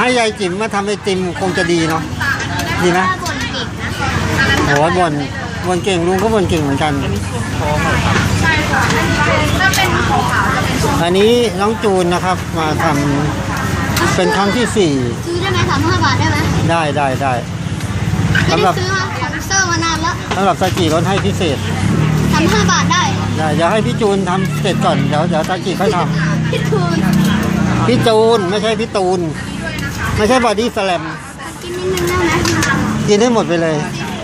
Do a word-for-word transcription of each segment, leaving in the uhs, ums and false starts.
ให้ยายจิ๋มมาทำไอติมคงจะดีเนาะดีไหมโอ้ยบ่นบ่นเก่งลุงก็บ่นเก่งเหมือนกันอันนี้น้องจูนนะครับมาทำเป็นครั้งที่สี่ซื้อได้ไหมสามห้าบาทได้ไหมได้ได้ได้สำหรับซื้อมาของเซอร์มานานแล้วสำหรับซาจิลดให้พิเศษสามห้าบาทได้ได้เดี๋ยวให้พี่จูนทำเสร็จก่อนเดี๋ยวเดี๋ยวซาจิค่อยทำพี่จูนพี่จูนไม่ใช่พี่ตูนไม่ใช่บอดี้สแลมกินนิดนึงได้ไหมกินให้หมดไปเลย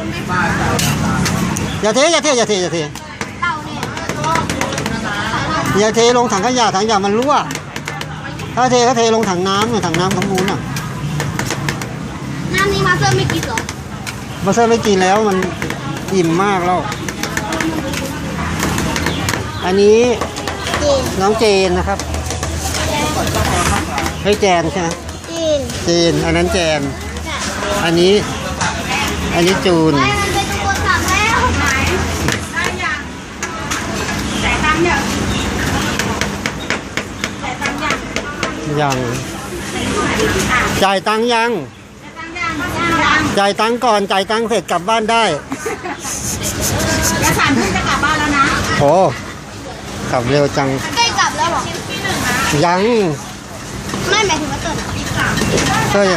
อย่าเทอย่าเทอย่าเทอย่าเทเต่าเนี่ยอย่าเทลงถังขยะถังขยะมันรั่วถ้าเทก็เทลงถังน้ำถังน้ำทั้งนู้นอ่ะน้ำนี้มาเซอร์ไม่กินหรอมาเซอร์ไม่กินแล้วมันอิ่มมากแล้วอันนี้น้องเจนนะครับให้แจนใช่ไหมเจนเจนอันนั้นแจนอันนี้อันนี้จูนยังจ่ายตังค์ยังจ่ายตังค์ก่อนจ่ายตังค์เสร็จกลับบ้านได้จะสามทุ่มจะกลับบ้านแล้วนะโอ้กลับเร็วจังใกล้กลับแล้วหรอยังไม่หมายถึงว่าเติร์เติ้ล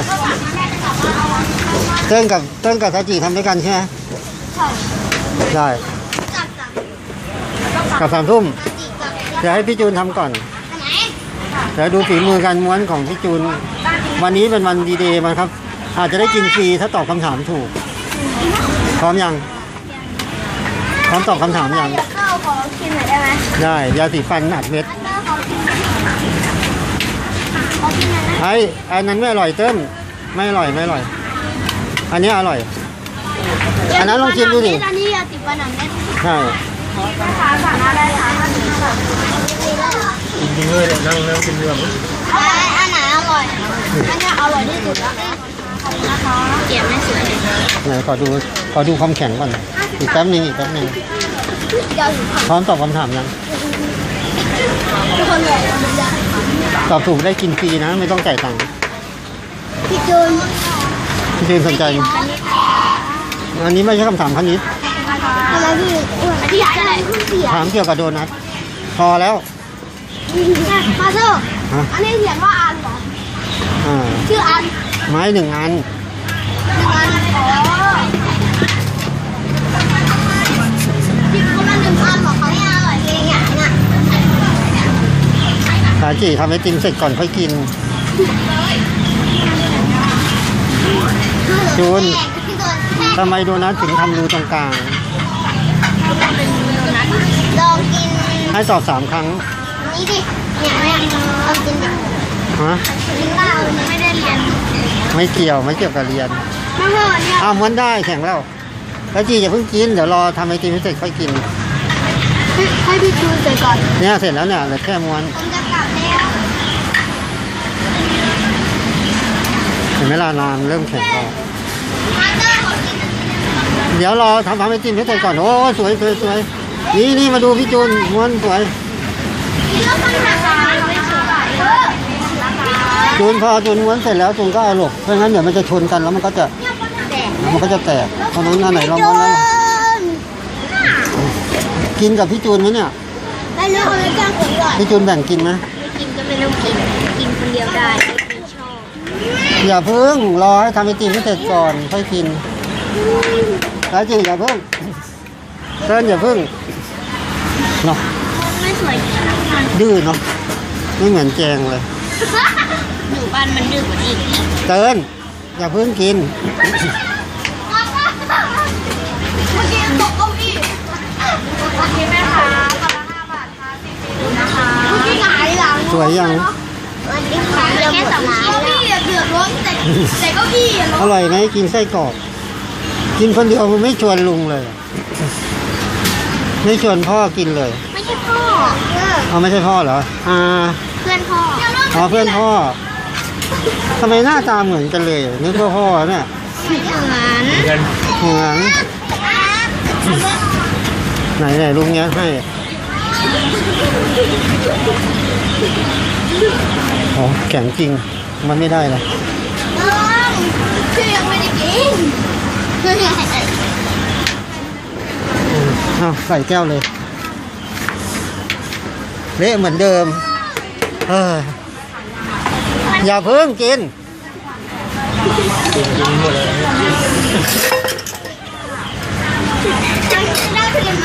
เติ้ลกับเติ้ลกับซาจิทำด้วยกันใช่ไหมได้กลับสามทุ่มเดี๋ยวให้พี่จูนทำก่อนเดี๋ยวดูฝีมือการม้วนของพี่จูนวันนี้เป็นวันดีเดย์มันครับอาจจะได้กินฟรีถ้าตอบคำถามถูกพร้อมยังพร้อมตอบคำถามยังข้าวขอกินหน่อยได้ไหมได้ยาสีฟันอัดเม็ดไอ้อันนั้นไม่อร่อยเติ้ลไม่อร่อยไม่อร่อยอันนี้อร่อยอันนั้นลองชิมดูดิอันนี้ยาสีฟันอัดเม็ดใช่ขาสั่งอะไรคะจริงๆเลยนั่งนั่งกินเรื่องอันไหนอร่อยอันนี้อร่อยที่สุดแล้วนะคะเก็บไม่สวยไหนขอดูขอดูความแข็งก่อนอีกแป๊บนึงอีกแป๊บนึงพร้อมตอบคำถามยังตอบถูกได้กินฟรีนะไม่ต้องจ่ายตังค์พี่จูนพี่จูนสนใจอันนี้ไม่ใช่คำถามคณิตอะไรพี่ที่อยากอะไรถามเกี่ยวกับโดนัทพอแล้วมาเถอะอันนี้เขียนว่าอันเหรอชื่ออันไม้หนึ่งอันหนึ่งอันอ๋อที่เขามาหนึ่งอันบอกเขาให้อร่อยเองอ่ะเนี่ยสาจิทำไอติมเสร็จก่อนค่อยกินจูนทำไมโดนัทถึงทำรูตรงกลางลองกินให้ตอบสามครั้งนี่ดิเนี่ยเนี่ยลองกินดิฮะกินเปล่าไม่ได้เรียนไม่เกี่ยวไม่เกี่ยวกับเรียนไม่เรียนอ้าวมันได้แข็งแล้วแล้วจีอย่าเพิ่งกินเดี๋ยวรอทำไอติมเสร็จค่อยกินให้พี่จูนเสร็จก่อนเนี่ยเสร็จแล้วเนี่ยเหลือแค่ม้วนผมจะกลับแล้วเห็นไหมล่ะนานเริ่มแข็งแล้วเดี๋ยวรอทำทำไอติมให้เสร็จก่อนโอ้สวยสวยสวยนี่นี่มาดูพี่จูนม้วนสวยจูนพอจูนม้วนเสร็จแล้วจูนก็เอาหลบเพราะงั้นเดี๋ยวมันจะชนกันแล้วมันก็จะมันก็จะแตกเพราะนั้นอันไหนเราม้วนแล้วกินกับพี่จูนไหมเนี่ยไม่เลือกเลยจ้างผมก่อนพี่จูนแบ่งกินไหมไม่กินก็ไม่ต้องกินกินคนเดียวได้ไม่ชอบอย่าเพิ่งรอให้ทำไอติมให้เสร็จก่อนค่อยกินแล้วจริงอย่าเพิ่งเติ้ลอย่าเพิ่งเนาะไม่สวยดื้อเนาะไม่เหมือนแจงเลยอยู่บ้านมันดื้อกว่านี้เติ้ลอย่าเพิ่งกินเมื่อกี้ตกเก้าอี้โอเคไหมคะกล่องละห้าบาทค่ะสี่สิบนะคะเมื่อกี้หงายหลังสวยยังวันนี้ขายแค่สองชิ้นเก้าอี้เดือดร้อนแต่แต่เก้าอี้อร่อยไหมกินไส้กรอกกินคนเดียวมันไม่ชวนลุงเลยไม่ชวนพ่อกินเลยไม่ใช่พ่อเอาไม่ใช่พ่อเหรออ่าเพื่อนพ่ออ๋อเพื่อนพ่อทำไมหน้าตาเหมือนกันเลยนึกว่าพ่อเนี่ยเหมือนเหมือนไหนไหนลุงเนี้ยให้อ๋อแข็งจริงมันไม่ได้เลยพี่ยังไม่ได้กินอ้าวใส่แก้วเลยเละเหมือนเดิมเอออย่าเพิ่งกินกินกินหมดเลยได้ผลิต